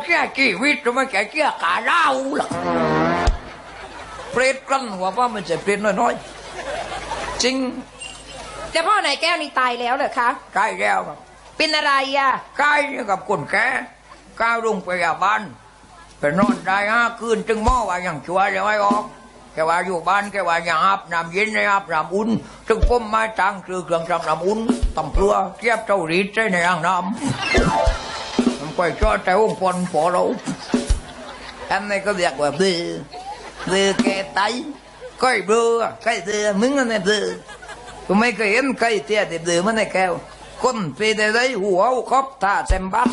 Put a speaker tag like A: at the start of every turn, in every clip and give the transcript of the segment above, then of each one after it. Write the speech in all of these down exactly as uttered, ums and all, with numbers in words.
A: แค่ชีวิตไม่แค่แค่ขาเล่าหรอกเปรตกลั้นหัวว่ามันจะเปรตน้อยๆจริง
B: แต่พ่อนายแก้วนี่ตายแล้วเหรอคะ
A: ตายแล้วครับ
B: เป็นอะไรอ่ะ
A: ตายกับคนแก่ก้าวลงไปยาบ้านไปนอนได้ห้าคืนจึงหม้อว่าอย่างชัวร์เลยไม่ออกแค่ว่าอยู่บ้านแค่ว่าอย่างอาบน้ำเย็นในอาบน้ำอุ่นจึงพ่มไม้ตังคือเครื่องทำน้ำอุ่นตำเพื่อเทียบเจ้ารีดใช้ในอ่างน้ำมันก็ชอบแต่องค์พลพอเราอันนี้ก็เรียกว่าดื้อดื้อแก่ไตก้อยเบื่อก้อยเดือมึงอันนี้ดื้อกูไม่เคยเห็นก้อยเตี้ยติดดื้อมันในแก้วคนปีได้เลยหัวครบตาเต็มบัก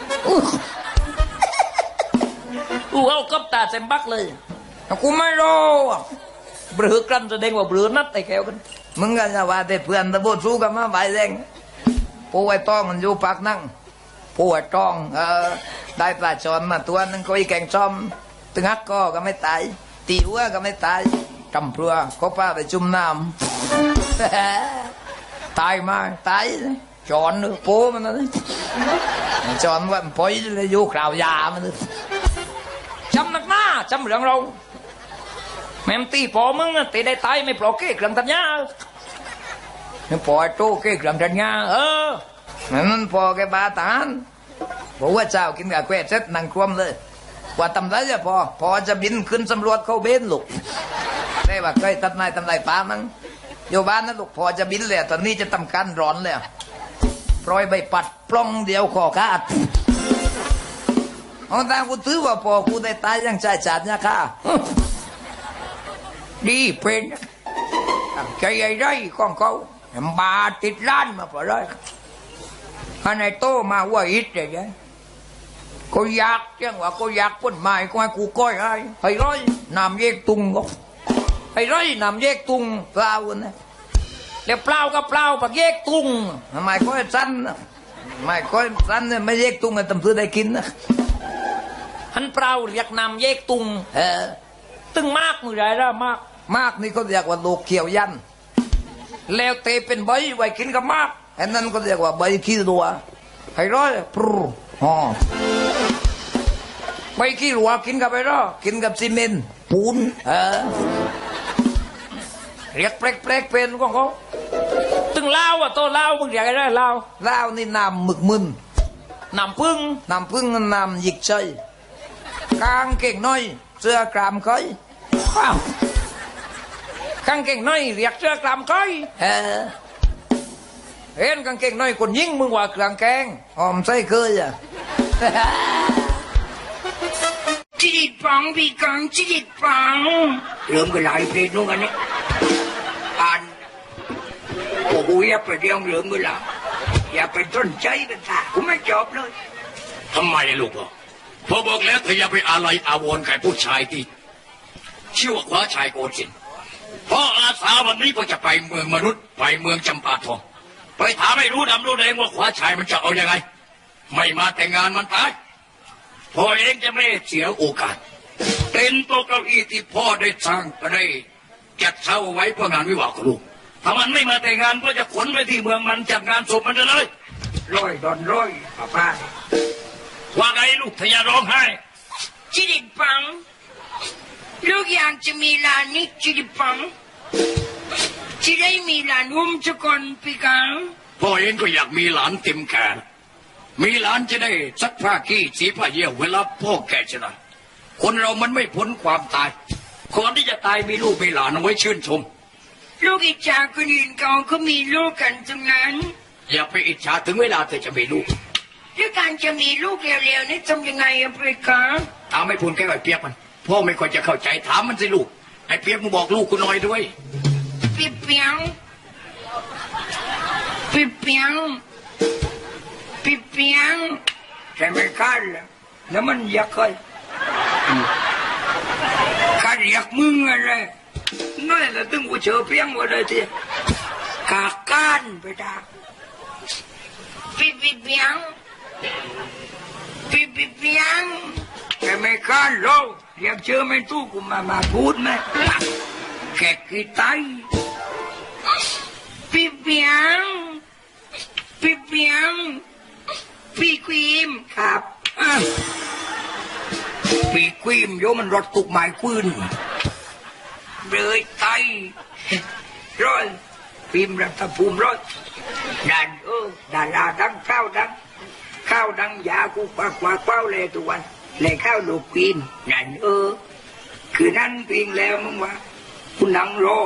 C: หัวครบตาเต็มบักเลย
A: กูไม่รู้
C: เบือกลั้นแสดงว่าเบือนัดไอ้แก้วกัน
A: มึงกันจะว่าแต่เพื่อนตะโบสู้กันมาใบแดงผู้ไอ้ต้องมันอยู่ปากนั่งผู้ไอ้ต้องเออได้ปลาชอนมาตัวนึงก็อีแกงซ้อมตึงฮักก็ก็ไม่ตายตีหัวก็ไม่ตายจำเพื่อก็ป้าไปจุ่มน้ำตายมาตายจอนนึกโป้มันนะจอนว่าปล่อยเลยอยู่ข่าวยามันเลย
C: จำนักหน้าจำเรื่องเราแม่มตีพอมึงตีได้ตายไม่ปลอกเก้เครื่องตัดหญ้า
A: นี่พอโต้เก้เครื่องตัดหญ้า
C: เออ
A: นั่นพอแกบาตานบอกว่าเจ้ากินกับแกวเซ็ตนั่งคว่ำเลยว่าทำไรจะพอพอจะบินขึ้นสำรวจเข้าเบนลูกได้ว่าเคยตัดนายทำไรป้ามั้งอยู่บ้านนะลูกพอจะบินเลยตอนนี้จะทำการร้อนเลยปล่อยใบปัดปล้องเดียวขอขาดเอาตากูถือว่าพอกูได้ตายยังใจจัดเนี่ยค่ะดีเป็นใจใหญ่ไรของเขาบาติดล้านมาพอเลยอันไหนโตมาว่าอิดเลยเนี่ยกูอยากจังว่ากูอยากพ้นไม้กูให้กูก้อยให้ให้ร้อยนำเยกตุงก็ให้ร้อยนำเยกตุงเปล่าเนี่ยแล้วเปล่าก็เปล่าปักเยกตุงทำไมก้อยสั้นไม่ก้อยสั้นเนี่ยไม่เยกตุงกันตำซื้อได้กินนะ
C: หันเปล่าเรียกนำเยกตุง
A: เออ
C: ตึงมากมือไรละมาก
A: มากนี่ก็เรียกว่าโลกเขียวยันแล้วเตเป็นใบไว้กินกับมากอันนั้นก็เรียกว่าใบขี้รัวให้ร้อยปรูอ๋อใบขี้รัวกินกับไปร้อกินกับซีเมนต์ปูนเออเรียกเปรกเปรกเป็นของเขา
C: ตึงเล่าอ่ะโตเล่ามึงอยากได้เล่า
A: เล่านี่น้ำหมึกมึน
C: น้ำพึ่ง
A: น้ำพึ่งน้ำหยิกใจกางเก่งน้อยเสื้อกรามเคย
C: ว้าวกางเก่งน้อยเรียกเสื้อกรามเคย
A: เออเห็นกางเก่งน้อยคนยิ่งมึงว่าเครื่องแกงหอมใส่เคยอ่ะ
D: จิตปังพี่กังจิตปังเริ่มกันหลายเพลงนู้นกันนี่อ่านโอ้โหอย่าไปเรียงเริ่มกันละอย่าไปต้นใจกันท่าผมไม่จบเลย
E: ทำไมลูกพ่อพอบอกแล้วเธออย่าไปอะไรอาวรณ์กับผู้ชายที่ชื่อว่าขวาชายโกศินทร์เพราะอาสาวันนี้ก็จะไปเมืองมนุษย์ไปเมืองจำปาทองไปถามให้รู้ดำรู้แดงว่าขวาชายมันจะเอาอยัางไงไม่มาแต่งงานมันตายพ่อเองจะไม่เสียโอกาสเป็นโต๊ะเก้าอี้ที่พ่อได้สร้างก็ได้จัดเช่าไว้เพื่องานวิวาห์ของลูกถ้ามันไม่มาแต่งงานก็จะขนไปที่เมืองมันจัดงานศพมันเลย
D: ร้อยดอนร้อยป้าป้า
E: ว่าไงลูกทยาร้องไห้
D: จิตปังลูกอยากจะมีลานนิดจิตปังจะได้มีหลานอุ้มจะก่อนพี่กัง
E: พ่อเองก็อยากมีหลานเต็มแขนมีหลานจะได้ซักผ้าขี้สีผ้าเยี่ยวเวลาพ่อแก่จะได้คนเรามันไม่พ้นความตายก่อนที่จะตายมีลูกมีหลานเอาไว้ชื่นชม
D: ลูกอิจฉาคนอื่นเขาก็มีลูกกันตรงนั้น
E: อย่าไปอิจฉาถึงเวลาเธอจะมีลูก
D: ด้วยการจะมีลูกเร็วๆนี่ทำยังไงอะพี่กัง
E: ถามไม่พูดแค่ไอ้เปียกมันพ่อไม่ค่อยจะเข้าใจถามมันสิลูกไอ้เปียกมึงบอกลูกกูหน่อยด้วย
D: พี่เปียงพี่เปียงพี่เปียงใช่ไหมกันแล้วมันอยากใครข้าอยากมึงอะไรนั่นแหละตึงกูเจอเพียงว่าเลยทีกาการไปด่าพี่พี่เปียงพี่พี่เปียงใช่ไหมกันโลเรียกเจอไม่ตู้กูมามาพูดไหมแขกกีตายพี่เปียงพี่เปียงพี่ควีมครับปีควีมโยมันรถตุกหมายควินเลยไตร้อยพิมพ์รัฐภูมิร้อยดันเออดาราดังข้าวดังข้าวดังยากูปากว่าเป้าเลยทุกวันเลยข้าวลูกควีนดันเออคือนั่นเพียงแล้วมึงว่าคุณนังรอ